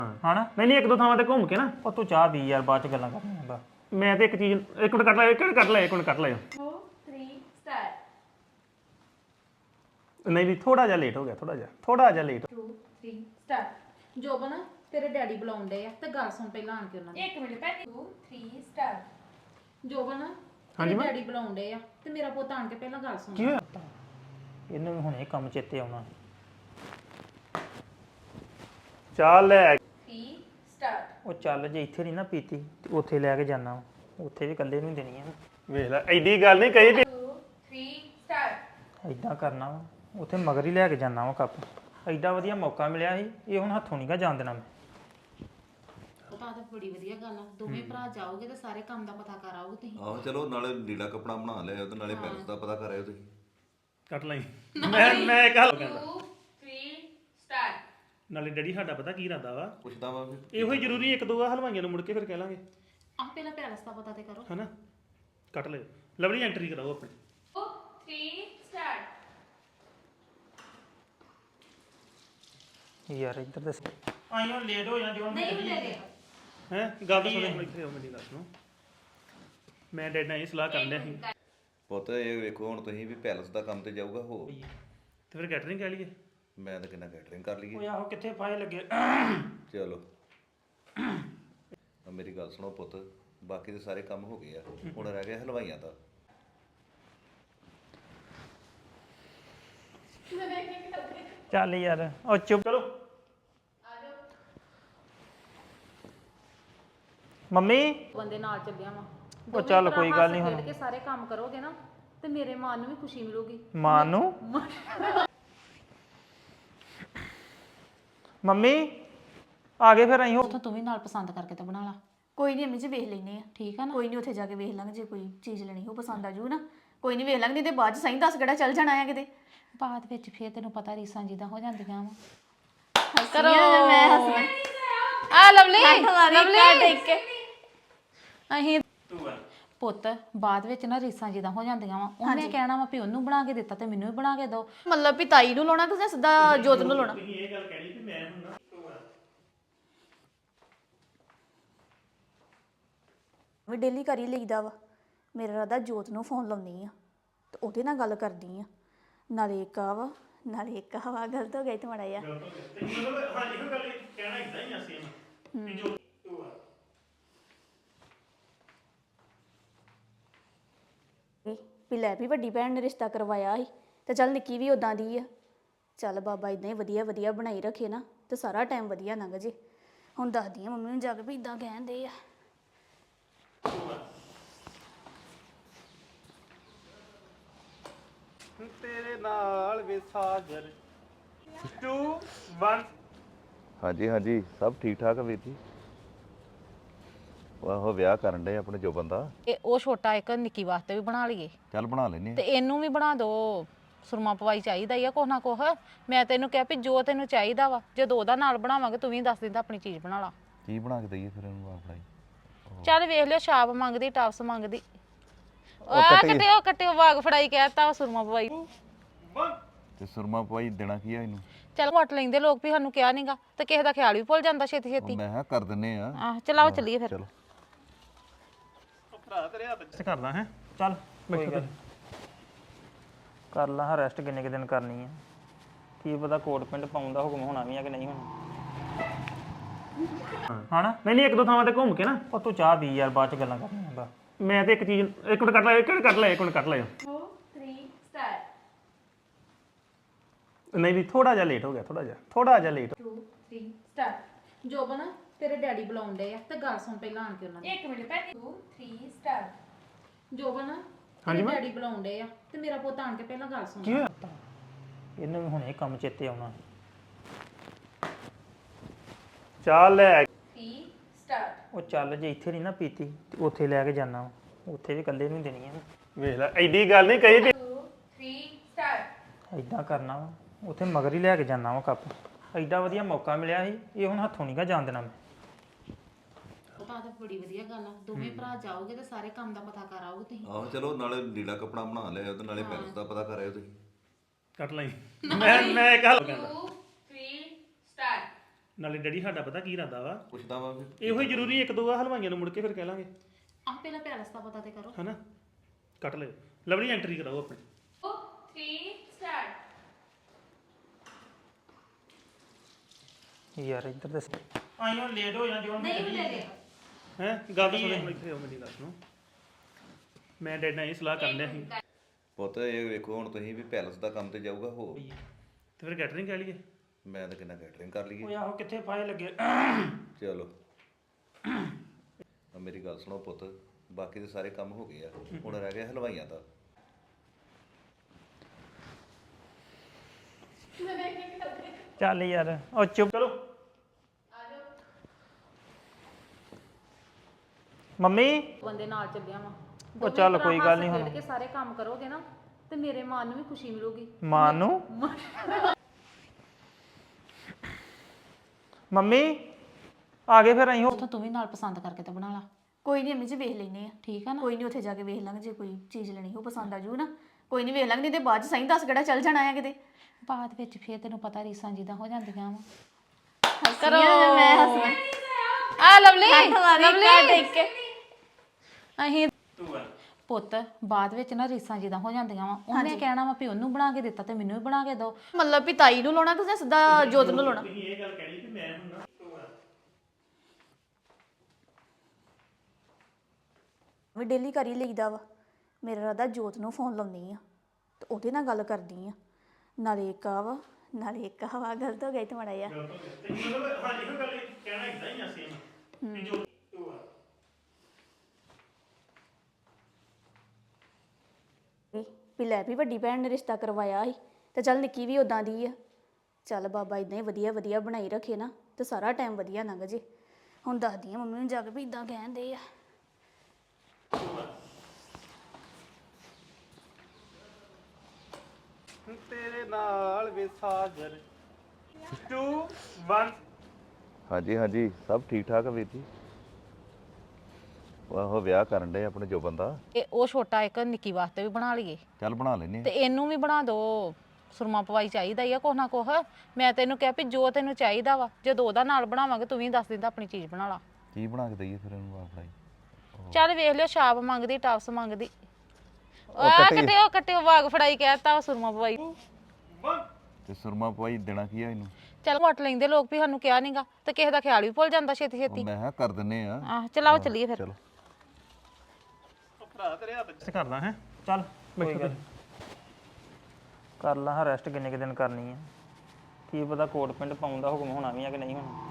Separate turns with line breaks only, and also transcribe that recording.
ਹਣਾ ਨਹੀਂ ਇੱਕ ਦੋ ਥਾਵਾਂ ਤੇ ਘੁੰਮ ਕੇ ਨਾ
ਉਹ ਤੂੰ ਚਾਹ ਪੀ ਯਾਰ ਬਾਅਦ ਚ ਗੱਲਾਂ ਕਰਨੀਆਂ ਬਾ
ਮੈਂ ਤੇ ਇੱਕ ਚੀਜ਼ ਇੱਕ ਮਿੰਟ ਕੱਟ ਲੈ ਇੱਕ ਮਿੰਟ ਕੱਟ ਲੈ
2 3 ਸਟਾਰਟ
ਨਹੀਂ ਥੋੜਾ ਜਿਹਾ ਲੇਟ ਹੋ ਗਿਆ ਥੋੜਾ ਜਿਹਾ ਲੇਟ
2 3 ਸਟਾਰਟ ਜੋਬਨ ਤੇਰੇ ਡੈਡੀ ਬੁਲਾਉਂਦੇ ਆ ਤੇ ਗੱਲ ਸੁਣ ਪਹਿਲਾਂ ਆਣ ਕੇ ਉਹਨਾਂ ਦੀ 1 ਮਿੰਟ ਪਹਿਲੇ 2 3 ਸਟਾਰਟ ਜੋਬਨ ਤੇਰੇ ਡੈਡੀ ਬੁਲਾਉਂਦੇ ਆ ਤੇ ਮੇਰਾ ਪੁੱਤ ਆਣ ਕੇ ਪਹਿਲਾਂ ਗੱਲ ਸੁਣ
ਕੀ ਹੋਇਆ
ਇਹਨੂੰ ਵੀ ਹੁਣੇ ਕੰਮ ਚੇਤੇ ਆਉਣਾ
ਚੱਲ ਲੈ
3 ਸਟਾਰਟ
ਉਹ ਚੱਲ ਜੇ ਇੱਥੇ ਨਹੀਂ ਨਾ ਪੀਤੀ ਤੇ ਉੱਥੇ ਲੈ ਕੇ ਜਾਣਾ ਉੱਥੇ ਵੀ ਇਕੱਲੇ ਨੂੰ ਦੇਣੀ ਆ
ਵੇਖ ਲੈ ਐਡੀ ਗੱਲ ਨਹੀਂ ਕਹੀ
2 3 ਸਟਾਰਟ
ਐਦਾਂ ਕਰਨਾ ਵਾ ਉੱਥੇ ਮਗਰ ਹੀ ਲੈ ਕੇ ਜਾਣਾ ਵਾ ਕੱਪ ਐਡਾ ਵਧੀਆ ਮੌਕਾ ਮਿਲਿਆ ਸੀ ਇਹ ਹੁਣ ਹੱਥੋਂ ਨਹੀਂਗਾ ਜਾਣ ਦੇਣਾ ਮੈਂ
ਉਹ ਤਾਂ ਬੜੀ ਵਧੀਆ ਗੱਲ ਆ ਦੋਵੇਂ ਭਰਾ ਜਾਓਗੇ ਤੇ ਸਾਰੇ ਕੰਮ ਦਾ ਪਤਾ ਕਰ ਆਓਗੇ ਤੁਸੀਂ
ਆਹੋ ਚਲੋ ਨਾਲੇ ਲੀੜਾ ਕਪੜਾ ਬਣਾ ਲਿਆ ਤੇ ਨਾਲੇ ਪੈਲਸ ਦਾ ਪਤਾ ਕਰ ਆਇਓ ਤੁਸੀਂ
ਕੱਟ ਲਈ ਮੈਂ ਕੱਲ
2 3 ਸਟਾਰਟ
ਨਾਲੇ ਡੈਡੀ ਸਾਡਾ ਪਤਾ ਕੀ ਇਰਾਦਾ ਵਾ
ਪੁੱਛਦਾ ਵਾ ਫਿਰ
ਇਹੋ ਹੀ ਜ਼ਰੂਰੀ ਇੱਕ ਦੋ ਆ ਹਲਵਾਈਆਂ ਨੂੰ ਮੁੜ ਕੇ ਫਿਰ ਕਹਿ ਲਾਂਗੇ
ਆਹ ਪਹਿਲਾਂ ਪੈਲਸ ਦਾ ਪਤਾ ਤੇ ਕਰੋ
ਹਨਾ ਕੱਟ ਲਿਓ ਲਵਲੀ ਐਂਟਰੀ ਕਰਾਓ ਆਪਣੀ
2 3 ਸਟਾਰਟ
ਯਾਰ ਇੱਧਰ ਦੱਸ ਆਈਓ ਲੇਟ ਹੋ ਜਾਂ ਜੋ
ਨਹੀਂ ਹੁੰਦੇ ਦੇ
ਹੈ ਗੱਲ ਤਾਂ ਸੁਣੋ ਇੱਥੇ ਆਓ ਮੇਰੀ ਗੱਲ ਸੁਣੋ ਮੈਂ ਡੈਡ ਨਾਲ ਇਹ ਸਲਾਹ ਕਰਨ ਡਿਆ ਸੀ
ਪੁੱਤ ਇਹ ਵੇਖੋ ਹੁਣ ਤੁਸੀਂ ਵੀ ਪੈਲਸ ਦਾ ਕੰਮ ਤੇ ਜਾਊਗਾ ਹੋ
ਤੇ ਫਿਰ ਕੈਟਰਿੰਗ ਕਹਿ ਲਈਏ
ਮੈਂ ਤਾਂ ਕਿੰਨਾ ਕੈਟਰਿੰਗ ਕਰ ਲਈਏ
ਓਏ ਆਹੋ ਕਿੱਥੇ ਫਾਇ ਲੱਗੇ
ਚਲੋ ਮੇਰੀ ਗੱਲ ਸੁਣੋ ਪੁੱਤ ਬਾਕੀ ਦੇ ਸਾਰੇ ਕੰਮ ਹੋ ਗਏ ਆ ਹੁਣ ਰਹਿ ਗਿਆ ਹਲਵਾਈਆਂ ਦਾ
ਚੱਲ ਯਾਰ ਉਹ ਚੁੱਪ
ਚਲੋ
ਮੰਮੀ
ਬੰਦੇ ਨਾਲ ਚੱਲਿਆ ਵਾ
ਉਹ ਚੱਲ ਕੋਈ ਗੱਲ ਨਹੀਂ ਹੁਣ
ਕਿ ਸਾਰੇ ਕੰਮ ਕਰੋਗੇ ਨਾ ਤੇ ਮੇਰੇ ਮਨ ਨੂੰ ਵੀ ਖੁਸ਼ੀ ਮਿਲੂਗੀ
ਮਾਂ ਨੂੰ ਮੰਮੀ ਆ ਗਏ ਫਿਰ ਅਸੀਂ
ਉਥੋਂ ਤੂੰ ਵੀ ਨਾਲ ਪਸੰਦ ਕਰਕੇ ਤੇ ਬਣਾ ਲਾ
ਕੋਈ ਨਹੀਂ ਅੰਮੀ ਜੀ ਵੇਖ ਲੈਨੇ ਆ
ਠੀਕ ਆ ਨਾ
ਕੋਈ ਨਹੀਂ ਉੱਥੇ ਜਾ ਕੇ ਵੇਖ ਲਾਂਗੇ ਜੇ ਕੋਈ ਚੀਜ਼ ਲੈਣੀ ਹੋ ਪਸੰਦ ਆ ਜੂ ਨਾ ਕੋਈ ਨਹੀਂ ਵੇਖ ਲਾਂਗੇ ਨਹੀਂ ਤੇ ਬਾਅਦ ਚ ਸਹੀ ਦੱਸ ਕਿਹੜਾ ਚੱਲ ਜਾਣਾ ਆ ਕਿਤੇ
ਬਾਅਦ ਵਿੱਚ ਫੇਰ ਤੈਨੂੰ ਪਤਾ ਰੀਸਾਂ ਜਿੱਦਾਂ ਹੋ ਜਾਂਦੀਆਂ ਵਾ
ਕਰੋ ਮੈਂ ਹੱਸਣਾ
ਆ ਲਵਲੀ
ਦੇਖ ਕੇ
ਅਹੀਂ ਪੁੱਤ ਬਾਅਦ ਵਿੱਚ ਨਾ ਰੀਸਾਂ ਜਿੱਦਾਂ ਹੋ ਜਾਂਦੀਆਂ ਵਾ ਉਹਨੇ ਕਹਿਣਾ ਵਾ ਵੀ ਉਹਨੂੰ ਬਣਾ ਕੇ ਦਿੱਤਾ ਤੇ ਮੈਨੂੰ ਵੀ ਬਣਾ ਕੇ ਦਿਓ
ਮਤਲਬ ਵੀ ਤਾਈ ਨੂੰ ਲਾਉਣਾ ਤੁਸੀਂ ਸਿੱਧਾ ਜੋਤ ਨੂੰ ਲਾਉਣਾ
ਤੁਸੀਂ ਇਹ ਗੱਲ ਕਹਿਣੀ ਕਿ ਮੈਂ ਹੁਣ
ਵੀ ਡੇਲੀ ਕਰ ਹੀ ਲਈਦਾ ਵਾ ਮੇਰਾ ਰਾਦਾ ਜੋਤ ਨੂੰ ਫੋਨ ਲਾਉਣੀ ਆ ਤੇ ਉਹਦੇ ਨਾਲ ਗੱਲ ਕਰਦੀ ਆ ਨਾਲੇ ਇੱਕ ਆ ਵਾ ਨਾਲੇ ਇੱਕ ਹਵਾ ਗਲਤ ਹੋ ਗਈ ਤੇ ਮਾੜਾ ਜਿਹਾ
ਮਤਲਬ ਹਾਂ ਇਹੋ ਗੱਲ ਕਹਿਣਾ ਇਦਾਂ ਹੀ ਆ ਸੇਮ ਕਿ ਜੋ
ਵੀ ਲੈ ਵੀ ਵੱਡੀ ਭੈਣ ਨੇ ਰਿਸ਼ਤਾ ਕਰਵਾਇਆ ਸੀ ਤੇ ਚੱਲ ਨਿੱਕੀ ਵੀ ਉਦਾਂ ਦੀ ਆ ਚੱਲ ਬਾਬਾ ਇਦਾਂ ਹੀ ਵਧੀਆ ਵਧੀਆ ਬਣਾਈ ਰੱਖੇ ਨਾ ਤੇ ਸਾਰਾ ਟਾਈਮ ਵਧੀਆ ਲੰਘ ਜੇ ਹੁਣ ਦੱਸਦੀ ਆ ਮੰਮੀ ਨੂੰ ਜਾ ਕੇ ਵੀ ਇਦਾਂ ਕਹਿੰਦੇ ਆ
ਤੇਰੇ ਨਾਲ ਵੇ ਸਾਗਰ 2 1
ਹਾਂਜੀ ਹਾਂਜੀ ਸਭ ਠੀਕ ਠਾਕ ਆ ਵੀਰ ਜੀ ਆਹੋ ਵਿਆਹ ਕਰਨ ਦੇ ਆਪਣੇ ਜੋ ਬੰਦਾ
ਇਹ ਉਹ ਛੋਟਾ ਇੱਕ ਨਿੱਕੀ ਵਾਸਤੇ ਵੀ ਬਣਾ ਲਈਏ
ਚੱਲ ਬਣਾ ਲੈਨੇ
ਤੇ ਇਹਨੂੰ ਵੀ ਬਣਾ ਦਿਓ ਸੁਰਮਾ ਪਵਾਈ ਚਾਹੀਦਾ ਹੀ ਆ ਕੁਛ ਨਾ ਕੁਛ ਮੈਂ ਤੈਨੂੰ ਕਿਹਾ ਵੀ ਜੋ ਤੈਨੂੰ ਚਾਹੀਦਾ ਵਾ ਜਦੋਂ ਉਹਦਾ ਨਾਲ ਬਣਾਵਾਂਗੇ ਤੂੰ ਵੀ ਦੱਸ ਦਿੰਦਾ ਆਪਣੀ ਚੀਜ਼ ਬਣਾ ਲਾ
ਕੀ ਬਣਾ ਕੇ ਦਈਏ ਫਿਰ ਇਹਨੂੰ ਆਪਣਾ ਹੀ
ਚੱਲ ਵੇਖ ਲਿਓ ਛਾਪ ਮੰਗਦੀ ਟਾਪਸ ਮੰਗਦੀ ਆ ਕੱਟਿਓ ਵਾਗ ਫੜਾਈ ਕਹਿਤਾ ਸੁਰਮਾ ਪਵਾਈ
ਤੇ ਸੁਰਮਾ ਪਵਾਈ ਦੇਣਾ ਕੀ ਆ ਇਹਨੂੰ
ਚੱਲ ਵਟ ਲੈਂਦੇ ਲੋਕ ਵੀ ਸਾਨੂੰ ਕਿਹਾ ਨਹੀਂਗਾ ਤੇ ਕਿਸੇ ਦਾ ਖਿਆਲ ਵੀ ਭੁੱਲ ਜਾਂਦਾ ਛੇਤੀ ਛੇਤੀ
ਮੈਂ ਕਿਹਾ ਕਰ ਦਿੰਨੇ ਆ
ਆਹ ਚਲਾਓ ਚੱਲੀਏ ਫਿਰ
ਚਲੋ
ਭਰਾ ਤੇਰੇ ਹੱਥ ਚ ਕਰਦਾ ਹੈ
ਚੱਲ ਕੋਈ ਗੱਲ ਕਰ ਲਾ ਰੈਸਟ ਕਿੰਨੇ ਕੁ ਦਿਨ ਕਰਨੀ ਆ ਕੀ ਪਤਾ ਕੋਟ ਪਿੰਡ ਪਾਉਣ ਦਾ ਹੁਕਮ ਹੋਣਾ ਵੀ ਆ ਕਿ ਨਹੀਂ ਹੋਣਾ ਹਣਾ
ਨਹੀਂ ਇੱਕ ਦੋ ਥਾਵਾਂ ਤੇ ਘੁੰਮ ਕੇ ਨਾ
ਉਹ ਤੂੰ ਚਾਹ ਪੀ ਯਾਰ ਬਾਅਦ ਚ ਗੱਲਾਂ ਕਰਨੀਆਂ ਬਾ
ਮੈਂ ਤੇ ਇੱਕ ਚੀਜ਼ ਇੱਕ ਮਿੰਟ ਕੱਟ ਲੈ
2 3 ਸਟਾਰਟ
ਨਹੀਂ ਥੋੜਾ ਜਿਹਾ ਲੇਟ ਹੋ ਗਿਆ ਥੋੜਾ ਜਿਹਾ ਲੇਟ
2 3 ਸਟਾਰਟ ਜੋਬਨ ਤੇਰੇ ਡੈਡੀ ਬੁਲਾਉਂਦੇ ਆ ਤੇ ਗੱਲ ਸੁਣ ਪਹਿਲਾਂ ਆਣ ਕੇ ਉਹਨਾਂ ਦੀ 1 ਮਿੰਟ ਪਹਿਲੇ 2 3 ਸਟਾਰਟ ਜੋਬਨ ਤੇਰੇ ਡੈਡੀ ਬੁਲਾਉਂਦੇ ਆ ਤੇ ਮੇਰਾ ਪੁੱਤ ਆਣ ਕੇ ਪਹਿਲਾਂ ਗੱਲ ਸੁਣ
ਕੀ ਹੋਇਆ
ਇਹਨੂੰ ਵੀ ਹੁਣੇ ਕੰਮ ਚੇਤੇ ਆਉਣਾ
ਚੱਲ ਲੈ
3 ਸਟਾਰਟ
ਉਹ ਚੱਲ ਜੇ ਇੱਥੇ ਨਹੀਂ ਨਾ ਪੀਤੀ ਤੇ ਉੱਥੇ ਲੈ ਕੇ ਜਾਣਾ ਉੱਥੇ ਵੀ ਇਕੱਲੇ ਨੂੰ ਦੇਣੀ ਆ
ਵੇਖ ਲੈ ਐਡੀ ਗੱਲ ਨਹੀਂ ਕਹੀ
2 3 ਸਟਾਰਟ
ਐਦਾਂ ਕਰਨਾ ਵਾ ਉੱਥੇ ਮਗਰ ਹੀ ਲੈ ਕੇ ਜਾਣਾ ਵਾ ਕੱਪ ਐਡਾ ਵਧੀਆ ਮੌਕਾ ਮਿਲਿਆ ਸੀ ਇਹ ਹੁਣ ਹੱਥੋਂ ਨਹੀਂਗਾ ਜਾਣ ਦੇਣਾ ਮੈਂ
ਉਹ ਤਾਂ ਬੜੀ ਵਧੀਆ ਗੱਲ ਆ ਦੋਵੇਂ ਭਰਾ ਜਾਓਗੇ ਤੇ ਸਾਰੇ ਕੰਮ ਦਾ ਪਤਾ ਕਰ ਆਓਗੇ ਤੁਸੀਂ
ਆਹੋ ਚਲੋ ਨਾਲੇ ਲੀੜਾ ਕਪੜਾ ਬਣਾ ਲਿਆ ਤੇ ਨਾਲੇ ਪੈਲਸ ਦਾ ਪਤਾ ਕਰ ਆਇਓ ਤੁਸੀਂ
ਕੱਟ ਲਈ ਮੈਂ ਕੱਲ
2 3 ਸਟਾਰਟ
ਨਾਲੇ ਡੈਡੀ ਸਾਡਾ ਪਤਾ ਕੀ ਇਰਾਦਾ ਵਾ
ਪੁੱਛਦਾ ਵਾ ਵੀ
ਇਹੋ ਹੀ ਜ਼ਰੂਰੀ ਇੱਕ ਦੋ ਆ ਹਲਵਾਈਆਂ ਨੂੰ ਮੁੜ ਕੇ ਫਿਰ ਕਹਿ ਲਾਂਗੇ
ਆਹ ਪਹਿਲਾਂ ਪੈਲਸ ਦਾ ਪਤਾ ਤੇ ਕਰੋ
ਹਨਾ ਕੱਟ ਲਿਓ ਲਵਲੀ ਐਂਟਰੀ ਕਰਾਓ ਆਪਣੀ
3 ਸਟਾਰਟ
ਯਾਰ ਇੱਧਰ ਦੱਸ ਆਈਓ ਲੇਟ ਹੋ ਜਾਂ ਜੋ
ਨਹੀਂ ਲੈ ਲਿਆ
ਹੈ ਗੱਲ ਤਾਂ ਸੁਣੋ ਇੱਥੇ ਆਓ ਮੇਰੀ ਗੱਲ ਸੁਣੋ ਮੈਂ ਡੈਡ ਨਾਲ ਇਹ ਸਲਾਹ ਕਰਨ ਡਿਆ ਸੀ
ਪੁੱਤ ਇਹ ਵੇਖੋ ਹੁਣ ਤੁਸੀਂ ਵੀ ਪੈਲਸ ਦਾ ਕੰਮ ਤੇ ਜਾਊਗਾ ਹੋ
ਤੇ ਫਿਰ ਕੈਟਰਿੰਗ ਕਹਿ ਲਈਏ
ਮੈਂ ਤਾਂ ਕਿੰਨਾ ਕੈਟਰਿੰਗ ਕਰ ਲਈਏ
ਓਏ ਆਹੋ ਕਿੱਥੇ ਫਾਇਲ ਲੱਗੇ
ਚਲੋ ਆ ਮੇਰੀ ਗੱਲ ਸੁਣੋ ਪੁੱਤ ਬਾਕੀ ਦੇ ਸਾਰੇ ਕੰਮ ਹੋ ਗਏ ਆ ਹੁਣ ਰਹਿ ਗਿਆ ਹਲਵਾਈਆਂ ਦਾ
ਚੱਲ ਯਾਰ ਉਹ ਚੁੱਪ
ਚਲੋ
ਮੰਮੀ
ਬੰਦੇ ਨਾਲ ਚੱਲਿਆ ਵਾ
ਉਹ ਚੱਲ ਕੋਈ ਗੱਲ ਨਹੀਂ ਹੁਣ
ਕੇ ਸਾਰੇ ਕੰਮ ਕਰੋਗੇ ਨਾ ਤੇ ਮੇਰੇ ਮਨ ਨੂੰ ਵੀ ਖੁਸ਼ੀ ਮਿਲੂਗੀ
ਮਾਂ ਨੂੰ ਮੰਮੀ ਆ ਗਏ ਫਿਰ ਅਸੀਂ
ਉਥੋਂ ਤੂੰ ਵੀ ਨਾਲ ਪਸੰਦ ਕਰਕੇ ਤੇ ਬਣਾ ਲਾ
ਕੋਈ ਨਹੀਂ ਅੰਮੀ ਜੀ ਵੇਖ ਲੈਨੇ ਆ
ਠੀਕ ਆ ਨਾ
ਕੋਈ ਨਹੀਂ ਉੱਥੇ ਜਾ ਕੇ ਵੇਖ ਲਾਂਗੇ ਜੇ ਕੋਈ ਚੀਜ਼ ਲੈਣੀ ਹੋ ਪਸੰਦ ਆ ਜੂ ਨਾ ਕੋਈ ਨਹੀਂ ਵੇਖ ਲਾਂਗੇ ਨਹੀਂ ਤੇ ਬਾਅਦ ਚ ਸਹੀ ਦੱਸ ਕਿਹੜਾ ਚੱਲ ਜਾਣਾ ਆ ਕਿਤੇ
ਬਾਅਦ ਵਿੱਚ ਫੇਰ ਤੈਨੂੰ ਪਤਾ ਰੀਸਾਂ ਜਿੱਦਾਂ ਹੋ ਜਾਂਦੀਆਂ ਵਾ
ਕਰੋ ਮੈਂ ਹੱਸਣਾ
ਆ ਲਵਲੀ
ਦੇਖ ਕੇ
ਅਹੀਂ ਪੁੱਤ ਬਾਅਦ ਵਿੱਚ ਨਾ ਰੀਸਾਂ ਜਿੱਦਾਂ ਹੋ ਜਾਂਦੀਆਂ ਵਾ ਉਹਨੇ ਕਹਿਣਾ ਵਾ ਵੀ ਉਹਨੂੰ ਬਣਾ ਕੇ ਦਿੱਤਾ ਤੇ ਮੈਨੂੰ ਵੀ ਬਣਾ ਕੇ ਦਿਓ
ਮਤਲਬ ਵੀ ਤਾਈ ਨੂੰ ਲਾਉਣਾ ਕਿ ਸਿੱਧਾ ਜੋਤ ਨੂੰ ਲਾਉਣਾ
ਤੁਸੀਂ ਇਹ ਗੱਲ ਕਹਿਣੀ ਕਿ ਮੈਂ ਹੁਣ ਨਾ
ਵੀ ਡੇਲੀ ਕਰ ਹੀ ਲਈਦਾ ਵਾ ਮੇਰਾ ਰਾਦਾ ਜੋਤ ਨੂੰ ਫੋਨ ਲਾਉਣੀ ਆ ਤੇ ਉਹਦੇ ਨਾਲ ਗੱਲ ਕਰਦੀ ਆ ਨਾਲੇ ਇੱਕ ਆ ਵਾ ਨਾਲੇ ਇੱਕ ਹਵਾ ਗਲਤ ਹੋ ਗਈ ਤੇ ਮੜਾ ਜਾ
ਤੇ ਮਤਲਬ ਹਾਂ ਇਹੋ ਗੱਲ ਕਹਿਣਾ ਇਦਾਂ ਹੀ ਆ ਸੇਮ ਕਿ ਜੋ
ਵੀ ਲੈ ਵੀ ਵੱਡੀ ਭੈਣ ਨੇ ਰਿਸ਼ਤਾ ਕਰਵਾਇਆ ਸੀ ਤੇ ਚੱਲ ਨਿੱਕੀ ਵੀ ਉਦਾਂ ਦੀ ਆ ਚੱਲ ਬਾਬਾ ਇਦਾਂ ਹੀ ਵਧੀਆ ਵਧੀਆ ਬਣਾਈ ਰੱਖੇ ਨਾ ਤੇ ਸਾਰਾ ਟਾਈਮ ਵਧੀਆ ਲੰਘ ਜੇ ਹੁਣ ਦੱਸਦੀ ਆ ਮੰਮੀ ਨੂੰ ਜਾ ਕੇ ਵੀ ਇਦਾਂ ਕਹਿੰਦੇ ਆ
ਤੇਰੇ ਨਾਲ ਵੇ ਸਾਗਰ 2 1
ਹਾਂਜੀ ਹਾਂਜੀ ਸਭ ਠੀਕ ਠਾਕ ਆ ਵੀਰ ਜੀ ਉਹ ਵਿਆਹ ਕਰਨ ਦੇ ਆਪਣੇ ਜੋ ਬੰਦਾ
ਇਹ ਉਹ ਛੋਟਾ ਇੱਕ ਨਿੱਕੀ ਵਾਸਤੇ ਵੀ ਬਣਾ ਲਈਏ
ਚੱਲ ਬਣਾ ਲੈਨੇ
ਤੇ ਇਹਨੂੰ ਵੀ ਬਣਾ ਦਿਓ ਸੁਰਮਾ ਪਵਾਈ ਚਾਹੀਦਾ ਹੀ ਆ ਕੁਛ ਨਾ ਕੁਛ ਮੈਂ ਤੈਨੂੰ ਕਿਹਾ ਵੀ ਜੋ ਤੈਨੂੰ ਚਾਹੀਦਾ ਵਾ ਜਦੋਂ ਉਹਦਾ ਨਾਲ ਬਣਾਵਾਂਗੇ ਤੂੰ ਵੀ ਦੱਸ ਦਿੰਦਾ ਆਪਣੀ ਚੀਜ਼ ਬਣਾ ਲਾ
ਕੀ ਬਣਾ ਕੇ ਦਈਏ ਫਿਰ ਇਹਨੂੰ ਆਪਣਾ
ਚੱਲ ਵੇਖ ਲਿਓ ਛਾਪ ਮੰਗਦੀ ਟਾਪਸ ਮੰਗਦੀ ਆ ਕੱਟਿਓ ਵਾਗ ਫੜਾਈ ਕਹਿਤਾ ਸੁਰਮਾ ਪਵਾਈ
ਤੇ ਸੁਰਮਾ ਪਵਾਈ ਦੇਣਾ ਕੀ ਆ ਇਹਨੂੰ
ਚੱਲ ਵਟ ਲੈਂਦੇ ਲੋਕ ਵੀ ਸਾਨੂੰ ਕਿਹਾ ਨਹੀਂਗਾ ਤੇ ਕਿਸੇ ਦਾ ਖਿਆਲ ਵੀ ਭੁੱਲ ਜਾਂਦਾ ਛੇਤੀ ਛੇਤੀ
ਮੈਂ ਕਿਹਾ ਕਰ ਦਿੰਨੇ ਆ
ਆਹ ਚਲਾਓ ਚੱਲੀਏ ਫਿਰ
ਚਲੋ
ਭਰਾ ਤੇਰੇ ਹੱਥ ਚ ਕਰਦਾ ਹੈ
ਚੱਲ ਕੋਈ ਗੱਲ ਕਰ ਲਾ ਰੈਸਟ ਕਿੰਨੇ ਕੁ ਦਿਨ ਕਰਨੀ ਆ ਕੀ ਪਤਾ ਕੋਟ ਪਿੰਡ ਪਾਉਣ ਦਾ ਹੁਕਮ ਹੋਣਾ ਵੀ ਆ ਕਿ ਨਹੀਂ ਹੋਣਾ